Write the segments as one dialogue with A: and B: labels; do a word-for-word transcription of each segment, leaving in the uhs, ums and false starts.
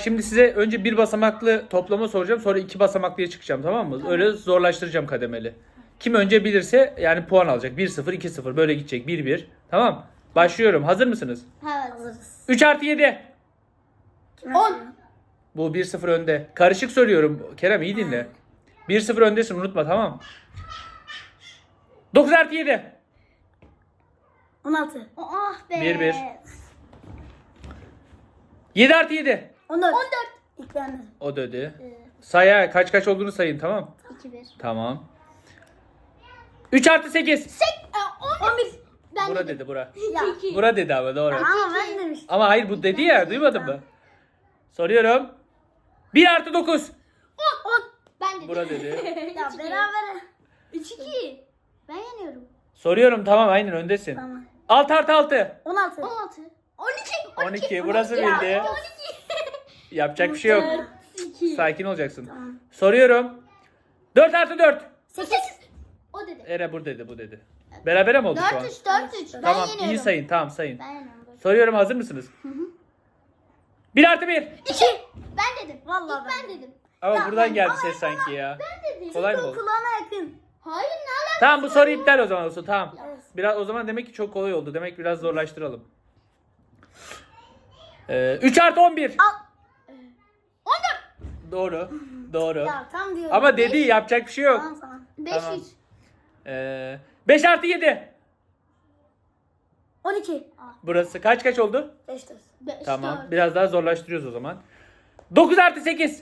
A: şimdi size önce bir basamaklı toplama soracağım. Sonra iki basamaklıya çıkacağım, tamam mı? Öyle zorlaştıracağım kademeli. Kim önce bilirse yani puan alacak. bir sıfır, iki sıfır böyle gidecek. bir bir. Tamam. Başlıyorum. Hazır mısınız?
B: Evet. Hazırız.
A: üç artı yedi.
B: on.
A: Bu bir sıfır önde. Karışık söylüyorum. Kerem iyi dinle. bir sıfır öndesin, unutma, tamam. dokuz artı yedi.
B: on altı. Ah be.
A: bir bir. yedi artı yedi.
B: on dört. on dört. İlk ben dedim.
A: O dedi. Say, kaç kaç olduğunu sayın, tamam.
B: iki bir.
A: Tamam. üç artı sekiz.
B: on bir. Ben
A: Bura
B: dedim.
A: dedi, bura.
B: Ya.
A: Bura dedi ama doğru.
B: Ama ben demiştim.
A: Ama hayır, bu dedi ya, duymadın mı? Soruyorum. bir artı dokuz.
B: on. on. Ben dedim.
A: Bura dedi.
B: Ya beraber. üç iki. Ben yeniyorum.
A: Soruyorum, tamam, aynen öndesin.
B: Tamam.
A: altı artı altı.
B: on altı. on altı. on iki.
A: on iki. Burası bildi.
B: on iki.
A: Yapacak bir şey yok.
B: iki.
A: Sakin olacaksın.
B: Tamam.
A: Soruyorum. dört artı dört.
B: sekiz. O dedi.
A: Ere bu dedi, bu dedi. Berabere mi oldu şu an?
B: dört üç. dört üç. Ben
A: Tamam,
B: yeniyorum.
A: iyi sayın, tamam sayın.
B: Ben yeniyorum.
A: Soruyorum, hazır mısınız? bir artı bir.
B: iki. Ben dedim. Vallahi İlk ben dedim.
A: Ama
B: Ya
A: buradan
B: ben-
A: geldi
B: ama-
A: ses sanki ya.
B: Ben dedim.
A: Kolay mı
B: Çünkü
A: oldu?
B: kulağına yakın. Hayır, ne alakası?
A: Tamam, bu soru iptal o zaman olsun, tamam.
B: Evet.
A: Biraz o zaman demek ki çok kolay oldu. Demek biraz zorlaştıralım. Ee, üç artı on bir.
B: on dört.
A: Doğru. Doğru.
B: Ya tam diyorum.
A: Ama dedi, yapacak bir şey yok.
B: Tamam tamam. beş
A: Tamam.
B: üç.
A: Ee, beş artı yedi.
B: on iki.
A: Burası kaç kaç oldu?
B: beş dört. beş
A: Tamam.
B: dört.
A: Biraz daha zorlaştırıyoruz o zaman. dokuz artı sekiz.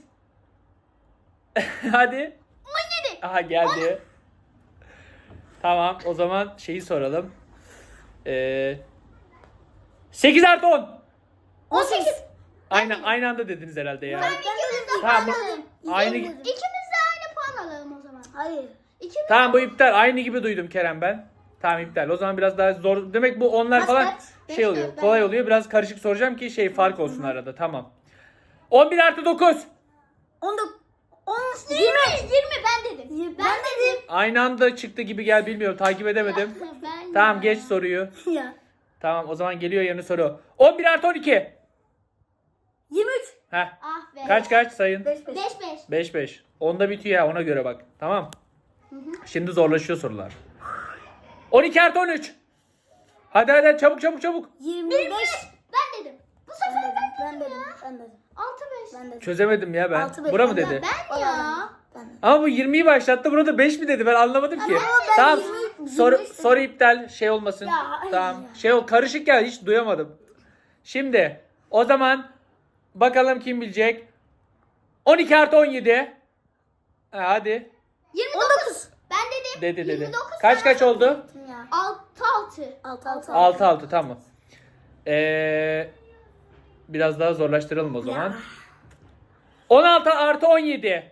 A: Hadi.
B: on yedi.
A: Aha geldi. Tamam, o zaman şeyi soralım. Ee, sekiz artı on.
B: on sekiz.
A: Aynı aynı anda dediniz herhalde ya.
B: Ben ikimiz de
A: Tamam,
B: puan
A: bu-
B: alalım.
A: aynı-
B: İkimiz de aynı puan alalım o zaman. Hayır. İkimiz
A: Tamam, bu iptal. Aynı gibi duydum Kerem ben. Tamam, iptal. O zaman biraz daha zor. Demek bu onlar
B: Kaç
A: falan
B: kaç? Beş
A: şey oluyor.
B: dört, ben
A: Kolay
B: de.
A: oluyor. Biraz karışık soracağım ki şey fark olsun arada. Tamam. on bir artı dokuz.
B: on dokuz. on yirmi. yirmi ben dedim. Ben, dedim.
A: Aynı anda çıktı gibi gel, bilmiyorum. Takip edemedim.
B: Ben
A: Tamam, geç soruyu.
B: Ya.
A: Tamam, o zaman geliyor yeni soru. on bir artı on iki.
B: yirmi üç.
A: Heh.
B: Ah be.
A: Kaç kaç sayın?
B: beş beş. beş beş.
A: beş beş. onda bitiyor ya, ona göre bak. Tamam. Şimdi zorlaşıyor sorular. on iki artı on üç. Hadi hadi çabuk çabuk çabuk.
B: yirmi beş. Ben dedim. Bu sefer ben, ben dedim. Ben dedim. altı beş. Ben dedim.
A: Çözemedim ya ben.
B: Altı beş.
A: Bura mı
B: Ben-
A: dedi?
B: Ben ya. Ben dedim.
A: Ama bu yirmiyi başlattı. Burada beş mi dedi? Ben anlamadım ki.
B: Ama ben
A: Tamam.
B: yirmi-
A: Soru
B: yirmi beş
A: soru iptal, şey olmasın.
B: Ya, ay
A: tamam.
B: ya.
A: Şey ol, karışık ya, hiç duyamadım. Şimdi o zaman bakalım kim bilecek? on iki artı on yedi. Ha, hadi.
B: yirmi dokuz. Ben dedim.
A: Dedi dedi.
B: yirmi dokuz
A: Kaç kaç oldu?
B: altı altı. altı altı.
A: altı altı, tamam. Ee, biraz daha zorlaştıralım o zaman. on altı artı on yedi.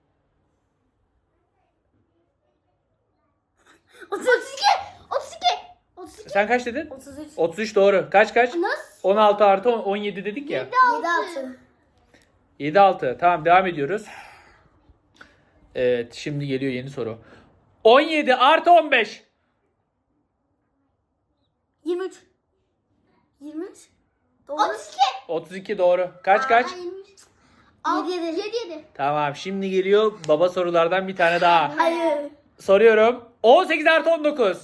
B: otuz iki. otuz iki. otuz iki.
A: Sen kaç dedin?
B: otuz üç.
A: otuz üç doğru. Kaç kaç?
B: Nasıl?
A: on altı artı on yedi dedik ya.
B: yedi altı.
A: yedi altı. Tamam, devam ediyoruz. Evet, şimdi geliyor yeni soru. on yedi artı on beş.
B: yirmi üç. yirmi üç. Doğru. otuz iki.
A: otuz iki doğru. Kaç kaç?
B: yedi yedi. yedi yedi.
A: Tamam, şimdi geliyor baba sorulardan bir tane daha.
B: Hayır.
A: Soruyorum. on sekiz artı on dokuz.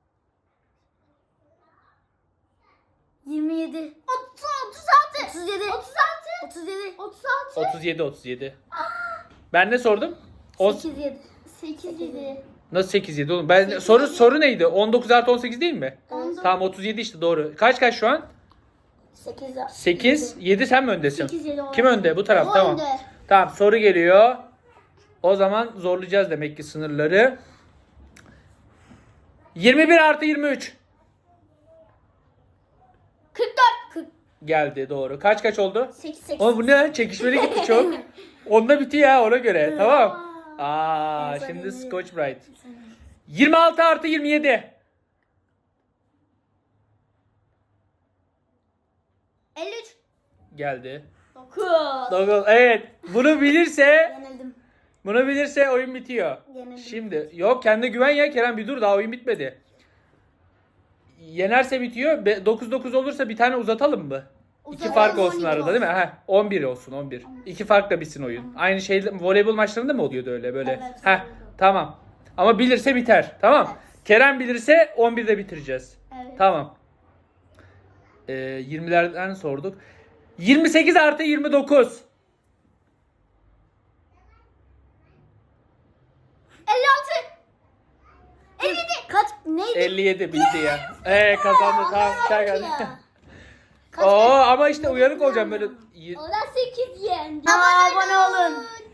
B: yirmi yedi. otuz altı. otuz yedi. otuz altı. otuz yedi. otuz altı.
A: otuz yedi otuz yedi. Ben ne sordum? On-
B: sekiz yedi. sekiz yedi.
A: Nasıl sekiz yedi oğlum? Ben soru soru neydi? on dokuz artı on sekiz değil mi?
B: Evet.
A: Tamam, otuz yedi işte, doğru. Kaç kaç şu an?
B: sekiz.
A: sekiz yedi, sen mi öndesin?
B: sekiz yedi.
A: Kim önde? Bu taraf,
B: O
A: tamam.
B: önde.
A: Tamam, soru geliyor. O zaman zorlayacağız demek ki sınırları. yirmi bir artı yirmi üç.
B: kırk dört. kırk.
A: Geldi, doğru. Kaç kaç oldu?
B: sekiz sekiz.
A: Ama bu ne? Çekişmeli gitti çok. Onda bitiyor ya, ona göre. Tamam. Aa,
B: En
A: şimdi
B: sevdiğim.
A: Scotch Brite. yirmi altı artı yirmi yedi.
B: elli üç.
A: Geldi.
B: dokuz.
A: Dokuz. Evet. Bunu bilirse
B: Yenildim.
A: bunu bilirse oyun bitiyor.
B: Yenildim.
A: Şimdi yok, kendine güven ya Kerem, bir dur, daha oyun bitmedi. Yenerse bitiyor. dokuz dokuz olursa bir tane uzatalım mı? İki fark olsun arada değil mi? Heh, on bir olsun on bir. İki farkla bitsin oyun. Aynı şey voleybol maçlarında mı oluyordu öyle böyle?
B: Evet,
A: Heh,
B: voleybol.
A: tamam. Ama bilirse biter. Tamam.
B: Evet.
A: Kerem bilirse on birde bitireceğiz.
B: Evet.
A: Tamam. Ee, yirmilerden sorduk. yirmi sekiz artı yirmi dokuz.
B: elli altı. elli yedi. Kaç neydi?
A: elli yedi bildi ya. Ee kazandı tamam. Çay geldi.
B: Ya. Kaç
A: Oo ama işte uyanık olacağım böyle.
B: O da sekiz yendi. Abone olun.